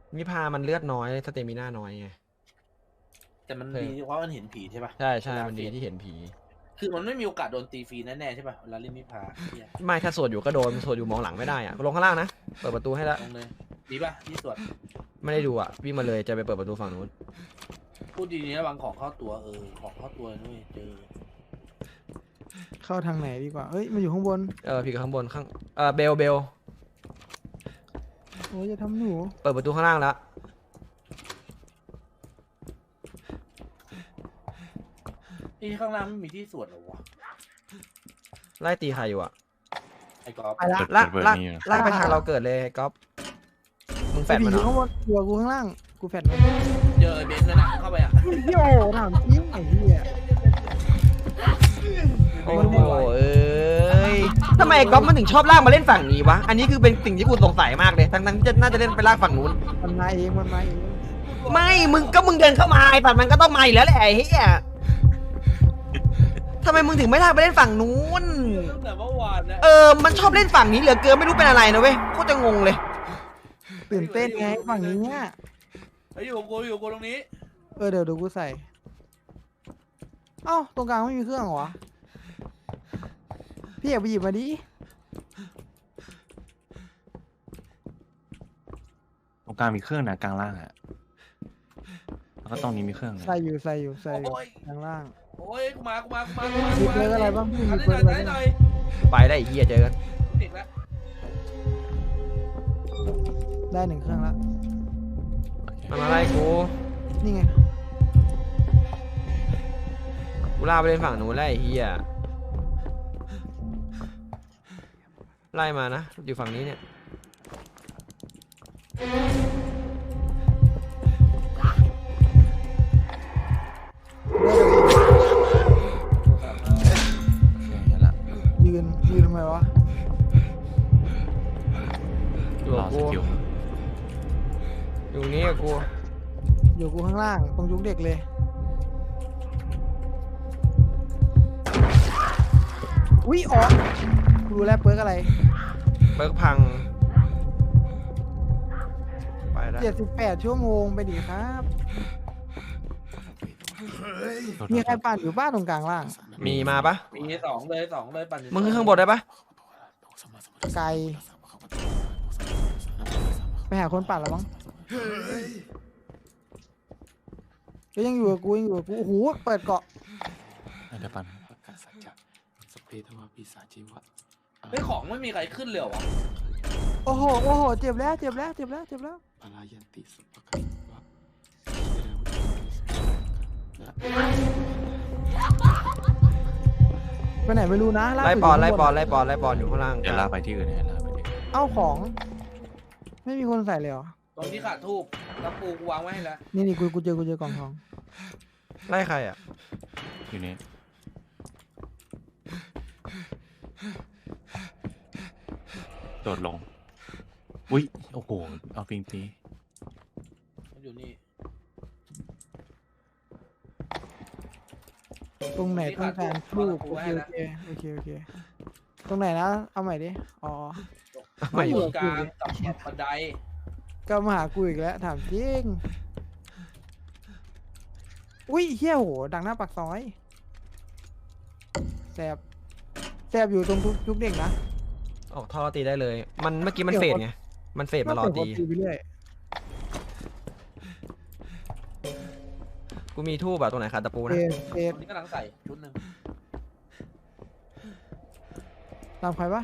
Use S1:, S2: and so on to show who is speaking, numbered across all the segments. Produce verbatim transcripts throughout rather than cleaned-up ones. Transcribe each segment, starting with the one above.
S1: มิพามันเลือดน้อยสเตมิน่าน้อยไง
S2: แต่มันดีเพราะมันเห็นผีใช่ป่ะ
S1: ใช่ใช่มันดีที่เห็นผี
S2: คือมันไม่มีโอกาสโดนตีฟรีแน่ๆใช่ป่ะเวลาเล่นมิพาเนี่ย
S1: ไม่ถ้าสวดอยู่ก็โดนสวดอยู่มองหลังไม่ได้อะลงข้างล่างนะเปิดประตูให้แล้ว
S2: ลงเลยดีป่ะที่สวด
S1: ไม่ได้ดูอ่ะวิ่งมาเลยจะไปเปิดประตูฝั่งนู้น
S2: พูดดีๆนะบางของเข้าตัวเออของเข้าตัวด้วยเจอ
S3: เข้าทางไหนดีกว่าเอ้ยมันอยู่ข้างบน
S1: เออพี่กับข้างบนข้างเออเบลเบล
S3: โอ้ยจะทำหนู
S1: เปิดประตูข้างล่างแล้ว
S2: ที่ข้างล่างไม่มีที่สวดหรอวะ
S1: ไล่ตีใครอยู่อ่ะ
S2: ไอ้กอล์ฟ
S3: ไปละ
S1: ลากลากลากไปทางเราเกิดเลยก๊อฟมึงแฟด
S3: ผี
S1: มัน
S3: อ
S1: เหร
S3: ยู่
S1: อ
S3: ข้างบนตัวกูข้างล่างกูแฟดมัน
S2: เจอไอ้เบนซ์แล้วนะเข้าไปอ่ะ
S3: พี่โอ้ถามจริงไอ้เหี้ย
S1: โอ้โหเอ้ยทำไมก๊อฟมันถึงชอบลากมาเล่นฝั่งนี้วะอันนี้คือเป็นสิ่งที่กูสงสัยมากเลยทั้งทั้งจะน่าจะเล่นไปลากฝั่งนู้น
S3: มันมาเองมันมาเอง
S1: ไม่มึงก็มึงเดินเข้ามาไอ้ฝั่งมันก็ต้องมาอยู่แล้วแหละไอ้เหี้ยทำไมมึงถึงไม่ลากไปเล่นฝั่งนู้น
S2: ตั้งแต่เมื่อวานนะ
S1: เออมันชอบเล่นฝั่งนี้เหลือเกินไม่รู้เป็นอะไรนะเว้ยโคตรจะงงเลย
S3: ตื่นเต้นไงฝั่งนี้เนี่ย
S2: ไอ้อยู่กับกูอยู่กับกูตรงนี้
S3: เออเดี๋ยวเดี๋ยวกูใส่เอ้าตรงกลางไม่มีเครื่องเหรอวะพี่อยากไปหยิบมาดิ
S4: ตรงกลางมีเครื่องนะกลางล่างอะแล้วก็ตรงนี้มีเครื่องนะ
S3: ใส่อยู่ใส่อยู่ใส่อยู่
S2: โอ้ย
S3: ข้างล่าง
S2: โอ้ยกูมากูมากูมากูมา
S3: มี
S2: กู
S3: เพื่
S2: มา
S3: อนอะไรบ้างพี่
S2: อั
S3: มี
S2: นนี้
S3: เพื่
S2: ห
S3: อ
S2: น่
S3: น
S2: อย
S3: อะไร
S2: ไหนห
S3: บ้าง
S2: น่อย
S1: ไปได้ไอ้เหี้ยเจอกัน
S2: ติดแล้ว
S3: ได้หนึ่งเครื่องแล้ว
S1: มันมาไล่กู
S3: นี่ไง
S1: กูลากไปเล่นฝั่งนู้นไล่ไอ้เหี้ยไล่มานะอยู่ฝั่งนี้เนี่ย
S4: เห็นละ
S3: ยืนยืนทำไมวะ
S1: อยู่
S4: ร
S1: กั
S4: อบ ส
S1: กู
S4: กิล
S1: อยู่นี่กับกู
S3: อยู่กูข้างล่างตรงยุคเด็กเลยอุ้ยอ๋อกูรู้แล้วเปิร์กอะไร
S1: เบิร์กพังไปแล้ว
S3: เจ็ดสิบแปดชั่วโมงไปดิครับ มีใครปั่นอยู่บ้านตรงกลางล่าง
S1: มีมาปะ
S2: มีสองเลยสองเลยปั่น
S1: มึงขึ้นข้างบนได้ปะ
S3: ไกลไปหาคนปั่นแล้วมั้งก็ยังอยู่กับกูยังอยู่กับกูโอ้โหเปิดเกาะ
S4: เดี๋ยวปัน
S2: เฮ้ยของไม่มีใครขึ้นเลยเหรอวะ
S3: โอ้โหโอ้โหเจ็บแล้วเจ็บแล้วเจ็บแล้วเจ็บแล้วไปไหนไม่รู้นะาก
S1: ไล่
S3: ยู่
S1: ปอน
S3: ข้าง
S1: ไล่
S3: บ
S1: ปอนไล่ปอนไล่ปอนอยู่ข้างล่าง
S4: เดี๋ยวลากไปที่อื่นเดี๋ยวลากไปที่อื่น
S3: เอ้าของ ไม่มีคนใส่เลยเหรอ
S2: ตรงที่ขาดทูบแล้วปูกูวางไว้ให้แล้ว
S3: นี่นี่กูกูเจอกูเจอกล่องทอง
S1: ไล่ใครอ่ะ
S4: อยู่นี่โดดลงอุ้ยโอ้โหเอาปิงตี
S2: มันอยู่นี่
S3: ตรงไหนต้องการทูบโอเคโอเคโอเคโอเคตรงไหนนะเอาใหม่ดิอ๋อ
S1: ไม่
S3: อยู่
S2: กลางกับบันได
S3: ก็มาหากูอีกแล้วถามจริงอุ้ยเฮี้ยโหดังหน้าปากซอยแสบแสบอยู่ตรงทุกทุกเด็กนะ
S1: ออกท่อตีได้เลย มันเมื่อกี้มันเฟดไงมันเฟดมารอตี
S3: ก็เปิดไปเรื่อย
S1: กูมีทูบอะตรงไหนขาดตะปู
S3: เฟ
S1: นะ
S3: ดเฟ
S2: ต
S3: ด
S2: รงนี้กำลังใส่ชุดหนึ่ง
S3: ตามใครปะ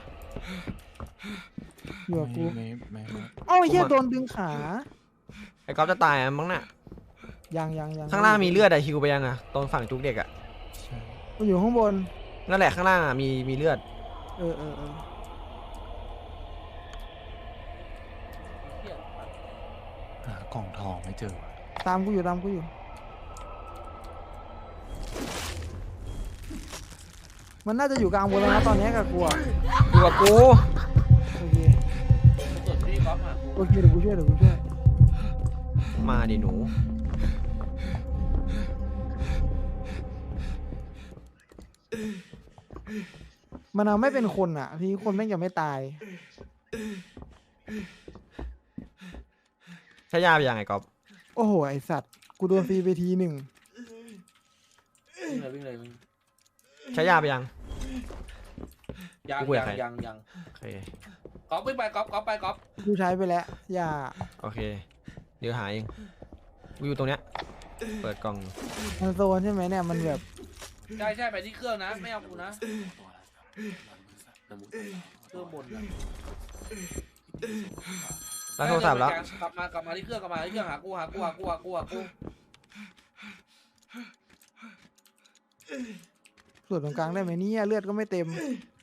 S3: อยู่กับกู
S4: ไม่ไม่ไม่
S3: เอ้าเฮี้ยโดนดึงขา
S1: ไอ้ก๊อฟจะตายอะมั้งน่ะ
S3: ยังยังยัง
S1: ข้างล่างมีเลือดอะฮิวไปยังอะตรงฝั่งจุกเด็กอะ
S4: ใช่
S3: มันอยู่ข้างบน
S1: นั่นแหละข้างล่างอะมีมีเลือด
S3: เออเออเออ
S2: เหี้ย
S4: หากล่องทองไม่เจอว่ะ
S3: ตามกูอยู่ตามกูอยู่มันน่าจะอยู่กลางบนแล้วนะตอนนี้กับกูอะ
S1: อยู่กับกู
S3: โอเค
S2: ส่วนพี่ก๊อฟอ่ะ
S3: โอเคเดี๋ยวกูช่วยเดี๋ยวกูช่วย
S1: มาดิหนู
S3: มันเอาไม่เป็นคนอ่ะทีนี้คนแม่งยังไม่ตาย
S1: ใช้ยาไปยังไงก๊อฟ
S3: โอ้โหไอสัตว์กูโดนฟรีไปทีหนึ่ง
S2: วิ่งเลยวิ่งเลยวิ่ง
S1: ใช้ยาไปยัง
S2: ยัง
S1: กูคุยกั
S2: ยั
S1: บ
S2: ง
S1: ใคร
S2: ยังยัง
S1: โอเค
S2: ก๊อฟวิ่งไปก๊อฟก๊อฟไปก๊อฟ
S3: กูใช้ไปแล้วอย่า
S1: โอเคเดี๋ยวหาเองกูอยู่ตรงเนี้ยเปิดกล่อง
S3: มันโซนใช่ไหมเนี่ยมันแบบ
S2: ใช่ใช่ไปที่เครื่องนะไม่เอากูนะเครื่องบนนะ
S1: รับโทรศัพท์แล้ว
S2: กลับมากลับมาที่เครื่องกลับมาที่เครื่องหากูหากูหากูหากูหากู
S3: ส่วนตรงกลางได้ไหมเนี่ยเลือดก็ไม่เต็ม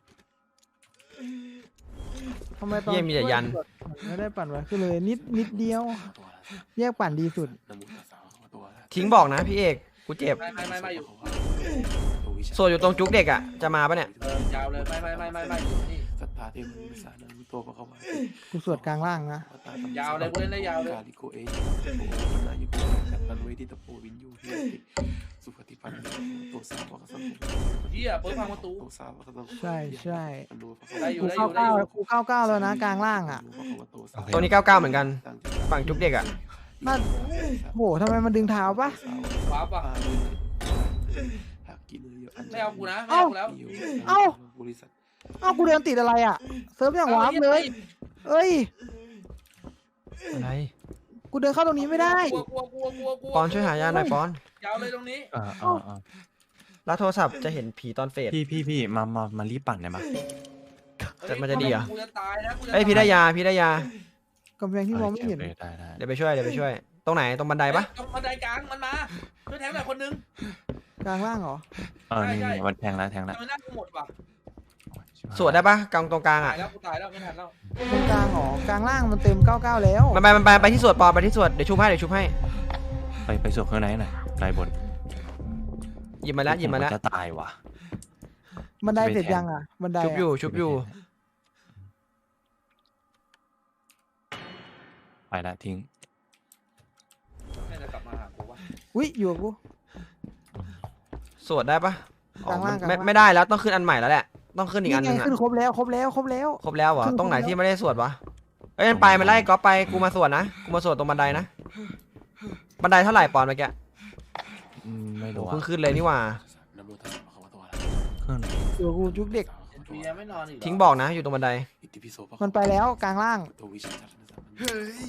S3: ทำไมตอน
S1: เยี่ยมมีแต่ยัน
S3: ไม่ได้ปั่นไว้คือเลยนิดนิดเดียว แยกปั่นดีสุด
S1: ทิ้งบอกนะพี่เอกกูเจ็บ
S2: ไม่ไม่ไม่ไม่อยู่
S1: โซอยู่ตรงจุกเด็กอ่ะจะมาปะเนี่ย
S2: เออยาวเลยไม่ไม่ไม่ไม่ไม่อยู่นี่
S5: สัทธาเทมุสานามุโตปะคะวะ
S3: กูสวดกลางล่างนะ
S2: ยาวเลยกูเล่นได้ยาวเลย
S5: กาลิโกเอโอนายุโกจัตตันเวทิตโปวินยูเฮียติสุขติปันโตสาวกสัง
S2: เฮียเปิดพังประตู
S5: โตสาวกสัง
S3: ใช่ใช่
S2: ได้อยู่
S3: กู
S2: ได้อ
S3: เข้า
S2: ยู่ได้
S3: เก้า
S2: อยู่
S3: กูเข้าเก้าแล้วนะกลางล่างอ่ะ
S1: ตัวนี้เก้าเก้าเหมือนกันฝั่งจุกเด็กอ่ะ
S3: นั่นโหทำไมมันดึงเท้าปะ
S2: ว้าป่ะ ไม่เอากูนะไม่
S3: เอ้า
S2: เอากูแล้ว
S3: เอ้า เอ้ากูเดินติดอะไรอ่ะเซิร์ฟอย่างวาร์ปเลยเอ้ย
S1: อะไร
S3: กูเดินเข้าตรงนี้ไม่ได้
S2: กลัวกลัวกลัวกลัวกลัว
S1: ปอนช่วยหายาหน่อยปอน
S2: ยาวเลยตรงนี้
S4: อ่าอ่าอ่า
S1: รับโทรศัพท์จะเห็นผีตอนเฟด
S4: พี่พี่พี่มามามารีบปั่นได้ไหม
S1: จะมันจะดีเหรอ
S2: กูจะตายนะกูจะ
S1: เอ้ยพี่ได้ยาพี่ได้ยา
S3: กำแพงที่มองไม่เห็น
S4: ได้ได้
S1: เดี๋ยวไปช่วยเดี๋ยวไปช่วย ตรงไหนตรงบันไดปะ
S2: ตรงบันไดกลางมันมาช่วยแทงหน่อยคนนึง
S3: กลางล่างเหรอ
S4: เออนี่
S2: ใช่
S4: นี่วันแทงแล้วแทงแล้ว
S2: ทำไมหน้ากูหมดวะ
S1: สวดได้ปะกลางตรงกลาง
S2: ตา
S1: อ่ะ
S2: ยแล้วกูตายแล้วไม่ทันแล้ว
S3: ตรงกลางเหรอกลางล่างมันเต็มเก้าเก้าแล้ว
S1: มันไปมันไปไปที่สวดปอนไปที่สวดเดี๋ยวชุบให้เดี๋ยวชุบให้
S4: ไปไปสวดข้างในหน่อยไกลบน
S1: หยิบมาแล้วหยิบมาแล้ว
S4: จะตายว่ะ
S3: บันไดเสร็จยังอ่ะบันได
S1: ชุบ
S3: อะ
S1: อยู่ชุบอยู่
S4: ไปละทิ้ง
S2: น่าจะกลับมาหากูวะ
S3: อุ้ยอยู่กับกู
S1: สวดได้ปะอ๋อก
S3: ลาง
S1: มั
S3: ล่าง
S1: น
S3: กลาง
S1: ไม่
S3: ล่าง
S1: ไม่ได้แล้วต้องขึ้นอันใหม่แล้วแหละต้องขึ้นอีกอันหนึ
S3: นี่
S1: ง
S3: ไง
S1: อ่ะ
S3: ขึ้นครบแล้วครบแล้วครบแล้ว
S1: ครบแล้วเหรอ
S3: ขึ้น
S1: ตรงไหน
S3: ครบแล้ว
S1: ที่ไม่ได้สวดวะเอ้ยมันไปมันไล่ก๊อฟไปกูมาสวดนะกูมาสวดตรงบันไดนะบันไดเท่าไหร่ปอนเมื่อกี้
S4: อืมไม่
S1: โห
S4: รู้
S1: เพิ่ง
S4: อ่ะ
S1: ขึ้นเลยนี่หว่า
S5: นะโมตัสสะภะคะวะโตอะ
S4: เครื่องไหน
S3: อยู่กับกูจุกเด็ก
S2: เบียร์ไม่นอนอีกเหรอ
S1: ทิ้งบอกนะอยู่ตรงบันได
S5: อิติปิโสภะคะวะ
S3: มันไปแล้วกลางล่าง
S5: โตวิชาจัตตนะสัม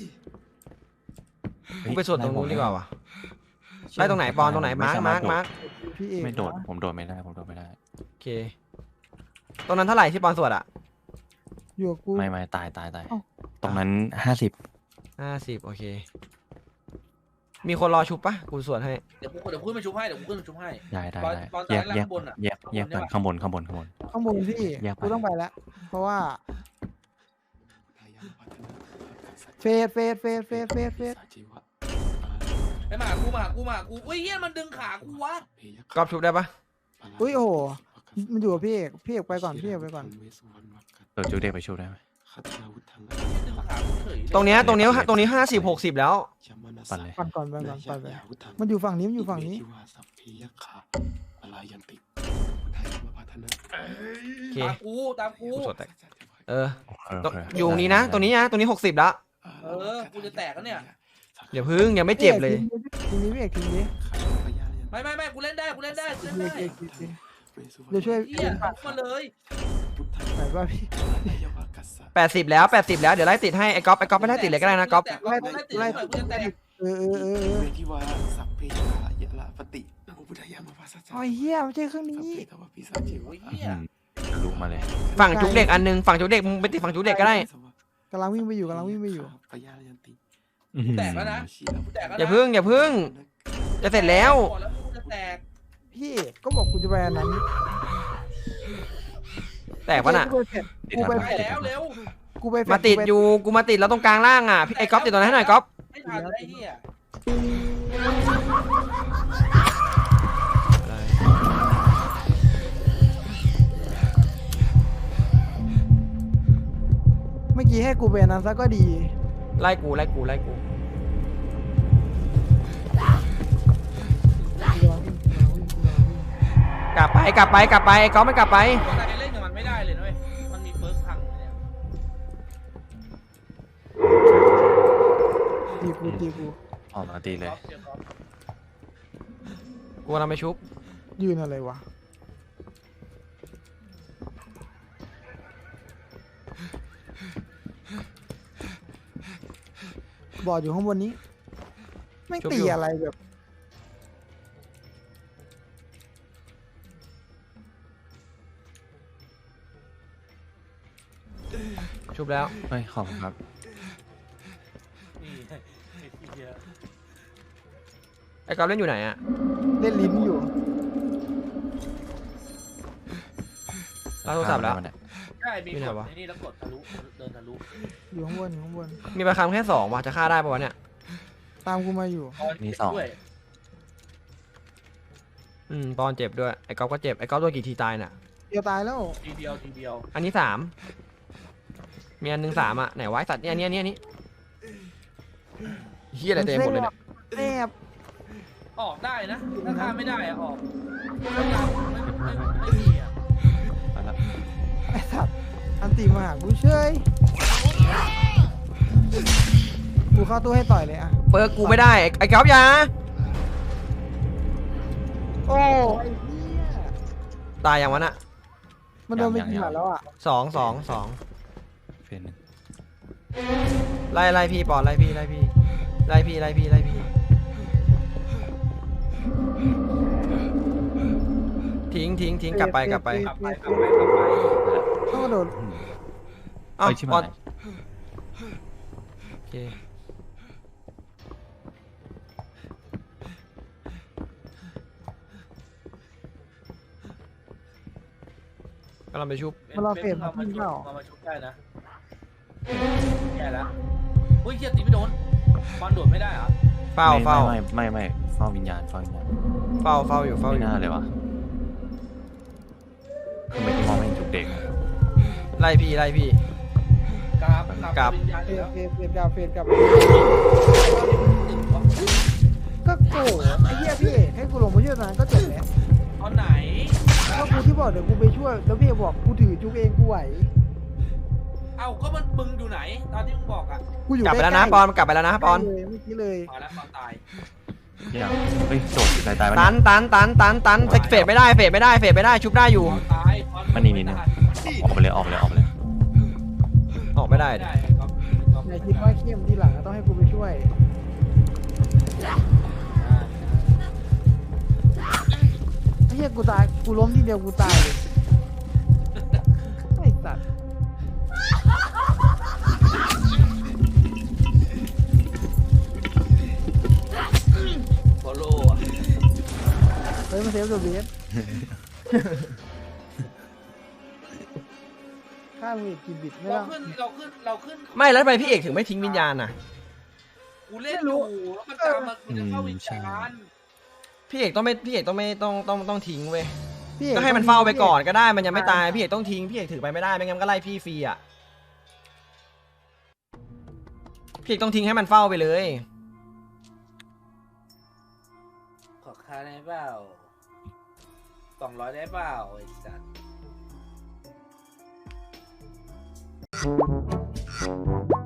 S5: มัน
S1: กูไปสวดตรงนู้นดีกว่าวะไล่ตรงไหนปอนตรงไหนมาร์กมาร์กมาร์ก
S3: พี่เอก
S4: ไม่โดด
S3: นะ
S4: ผมโดดไม่ได้ผมโดดไม่ได้
S1: โอเคตรงนั้นเท่าไหร่ที่ปอนสวดอ่ะ
S3: อยู่กับกู
S4: ไม่ไม่ตายตายตาย
S3: เอ้า
S4: ตรงนั้นห้าสิบ
S1: ห้าสิบโอเค มีคนรอชุบปะกูสวดให้
S2: เดี๋ยวกูเดี๋ยวกูขึ้นมาชุบให้เดี๋ยวกูขึ้นมาชุบให้
S4: ได้ได้
S2: ตอน
S4: ได้
S2: ตอน
S4: แยก
S2: ตอนแรก
S4: แยก
S2: ข้างบนอะ
S4: แยกแยกกันข้างบนข้างบนข้างบน
S3: ข้างบนพี่
S4: แยกไป
S3: กูต้องไปแล้ว เพราะว่า
S5: ทายาพัฒนาสัจ
S3: เฟสเฟสเฟสเฟสเฟสเฟส
S5: สัจจิวะ
S2: ไอ้หมากูมาหากูมาหากูอุ้ยเฮียมันดึงขากูวะ
S5: เพยะ
S1: ก๊อฟชุบได้ปะ
S3: อุ้ยโอ้โหมันอยู่กับพี่เอกพี่เอกไปก่อนพี่เอกไปก่อน
S4: เออจูเด็กไปชูได้ไหม
S5: คาถาวุฒัง
S2: ดึงขากูเฉยเลย
S1: ตรงเนี้ยตรงเนี้ยตรงนี้ห้าสิบหกสิบแล้ว
S5: ยามานา
S4: ปั่
S5: สาน
S4: เลย
S3: ก่อนก่อนไปก่อน
S5: นาย
S3: ไปไป
S5: ยาวุฒัง
S3: มันอยู่ฝั่งนี้มันอยู่ฝั่งนี้
S5: อิเมธิวาสัพเพยะขาปลายันติทายามาพัฒนา
S1: โอเค
S2: ตามกูตามกู
S1: กูสวดแตกเออ
S4: โอเค
S1: ตรง
S4: โเค
S1: อยู่ตรงนี้นะ ตรงนี้นะตรงนี้หกสิบแล้ว
S2: เออกูจะแตกแล้วเนี่ย
S1: อย่าพึ่งยังไม่เจ็บเลย
S3: ทีนี้พี่เอกทีนี้
S2: ไม่ไม่ไม่กูเล่นได้กูเล่นได้กูเล่น
S3: พี่
S2: ได้
S3: เอกทีนี้เดี๋ยวช่วย
S2: เฮียลุกมาเลย
S3: ไหนป่ะพี่
S1: แปดสิบแล้วแปดสิบแล้วเดี๋ยวไล่ติดให้ไอ้ก๊อฟไอ้ก๊อฟไม่ได้ติดเลยก็ได้นะก๊อฟ
S2: แตกไล่ไล่ติดหน่อยกูจะแตก
S3: เออเออเออเออ
S5: เวทิวาสัพเพยะขายะละปฏินะโมพุทธายามาภาษา
S3: โอ้ยเฮียไม่ใช่เครื่อง
S5: สัพ
S3: นี้
S5: เพทวปิสัจจิ
S2: โอ้
S5: วะ
S2: ยเฮีย
S4: อืมทะลุมาเลย
S1: ฝั่งจุกเด็กอันหนึงฝั่งจุกเด็กมึงไปติดฝั่งจุกเด็กก็ได้
S3: กำลังวิ่งไปอยู่กำลังวิ่งไปอยู่
S5: ปยายันติ
S4: อื้อหือ
S2: แตกแล้วนะกูแตกแล้วนะ
S1: อย่าพึ่งอย่าพึ่งจะเสร็จแล้ว
S2: ก่อนแล้วกูจะแตก
S3: พี่เอกก็บอกกูจะไปอันนั้น
S1: แตกปะน่ะ
S3: กูไปเสร็จ
S4: ติด
S3: กู
S4: ทัน
S3: ไป
S4: ไหม
S2: ไปแล้วเร็ว
S3: กูไปเสร็จ
S1: มาติดอยู่กูมาติดแล้วตรงกลางล่างอ่ะพี่ไอ้ก๊อฟติดตรงนั้นให้หน่อยก๊อฟ
S2: ไม่ทันไอ้เฮีย
S3: เมื่อกี้ให้กูไปอันนั้นซะก็ดี
S1: ไล่กูไล่กูไล่กูกลับไปกลับไปกลับไปไอ้ก๊อฟไม่กลับไป
S2: ตัวไหนเล่นกับมันไม่ได้เลยนะเว้ยมันมีเฟิร์สพังเนี่ย
S3: อยู่กูตีกู
S4: ออกมาตีเลย
S2: ก๊อฟเจอก๊อฟ
S1: กูกำลังไปชุบ
S3: ยืนอะไรวะบอดอยู่ข้างบนนี้ไม่งตีอะไรแบบ
S1: ชุบแล้ว
S4: เฮ้ยขอบคุณครับ
S2: นี่ไอ้เหี้ย
S1: ไอ้ก๊อฟเล่นอยู่ไหนอะ
S3: เล่นลิ้นอยู่
S1: รับโทรศัพท์แล้ว
S2: ใช่มี
S1: อยู่
S2: ก
S1: ไหน
S2: ด
S1: วะ
S2: ไอ้นี่แล้วกดทะลุเดินทะลุ
S3: อยู่ข้างบนอยู่ข้างบน
S1: มีประคำแค่สองว่ะจะฆ่าได้ปะวะเนี่ย
S3: ตามกูมาอยู่
S4: มีสอง
S2: ด้วย
S1: อืมปอนเจ็บด้วยไอ้ก๊อฟก็เจ็บไอ้ก๊อฟโดนกี่ทีตายน่ะ
S3: เดียวตายแล้ว
S2: ทีเดียวทีเดียว
S1: อันนี้สามมีอันหนึ่งสามอะไหนวะไอ้สัตว์เนี่ยอันนี้อันนี้อันนี้เฮียอะไรเต็มหมดเลยเนี่ย
S3: แอบ
S2: ออกได้นะถ้าฆ่าไม่ได้อะออกไม่ไม่ไม่ไม่มีอะ
S4: ไปละ
S3: ไอ้สัตว์อันตีมาหากูเฉยกูเข้าตู้ให้ต่อยเลยอะ
S1: เปิดกูไม่ได้ไอ้ไอ้ก๊อฟอยา
S3: โอ้ไอ้เหี้ย
S1: ตายอย่างวะน่ะ
S3: มันโดนไปกี่หมัดแล้วอะ
S1: สองสองสอง
S4: เฟนหนึ่ง
S1: ไล่ไล่พี่ปอนไล่พี่ไล่พี่ไล่พี่ไล่พี่ไล่พี่ทิ้งทิ้งทิ้งกลับไปกลับไป
S2: กลับไปกลับไปกลับไป
S3: ต้องกระโดด
S4: อืม
S1: เอ้า
S4: เฮ้ยชิบ
S1: ปอ
S4: หาน ย
S1: โอเคกำลังไปชุบ
S3: มันรอเฟรม
S2: เรามา
S3: ขึ้น
S2: ชุบ
S3: เปล่า
S2: เรามาชุบได้นะแย่แล้วอุ้ยเฮียตีไม่โดนบอลโดดไม่ได้เหรอ
S1: เฝ้าเฝ้า
S4: ไม่ไม่ไม่ไม่เฝ้าวิญญาณเฝ้าวิญญาณ
S1: เฝ้าเฝ้าอยู่เฝ้าอ
S4: ไม่
S1: ยู่
S4: น่าเลยวะคือไม่ที่มองไม่เห็นจุกเด็กอะ
S1: ไล่พี่ไล่พี่
S2: กราบ
S1: กราบ
S2: วิญญาณ
S3: เฟ
S2: อยู่
S3: ร
S2: แล้ว
S3: เฟรเฟรกลับเฟรกลับ
S2: ตึงวะ
S3: ก็โกรธไอ้เหี้ยพี่เอกให้กูลงมาช่วยตอนนั้นก็จบแล้ว
S2: ตอนไหน
S3: ก็กูที่บอกเดี๋ยวกูไปช่วย แล้วพี่เอกบอกกูถือจุกเองกูไหว
S2: เอ้าก็มันมึงอยู่ไหน ตอนที่มึงบอกอ่ะ
S3: กูอยู่
S1: กลับไปแล้วนะ
S3: ใล้ๆ
S1: ปอนกลับไปแล้วนะปอน
S3: ใกล้เลยเมื่อกี้เลย
S2: มาแล้วตอนตาย
S4: เหี้ยเฮ้ยโดดตายตายไป
S1: ตันตันตันตันตันเฟดไม่ได้เฟดไม่ได้เฟดไม่ได้ชุบได้อยู่
S2: ตอนตายตอน
S4: มันนี่นี่นะออกไปเลยออกไปเลยออกไปเลย
S1: ออกไม่ได้
S2: ไม่
S1: ดิ
S2: ได้ก๊อฟก๊อฟ
S3: อย่าคิดว่าเข้มทีหลังต้องให้กูไปช่วยไอ้เหี้ยกูตายกูล้มทีเดียวกูตายเลยไอ้สัตว์
S2: โซโล่อะ
S3: เฮ้ยมาเซฟตัวเบสข้ามึงอีกกี่บิตไม่
S2: เรา
S3: ต้อง
S2: ขึ้นเราขึ้นเราขึ้น
S1: ไม่แล้วทำไมพี่เอกถึงไม่ทิ้งวิญญาณน่ะ
S2: กูเล่นอยู่แล้วมันตามมากูจะเข้าวิญญาณ
S1: พี่เอกต้องไม่พี่เอกต้องไม่ต้องต้องต้องทิ้งเว้ย
S3: พี่เอก
S1: ก็ให้มันเฝ้าไปก่อนก็ได้มันยังไม่ตายพี่เอกต้องทิ้งพี่เอกถือไปไม่ได้ไม่งั้นมันก็ไล่พี่ฟรีอ่ะพี่เอกต้องทิ้งให้มันเฝ้าไปเลย
S2: ขอค่าได้เปล่าสองร้อยได้เปล่าไอ้สัส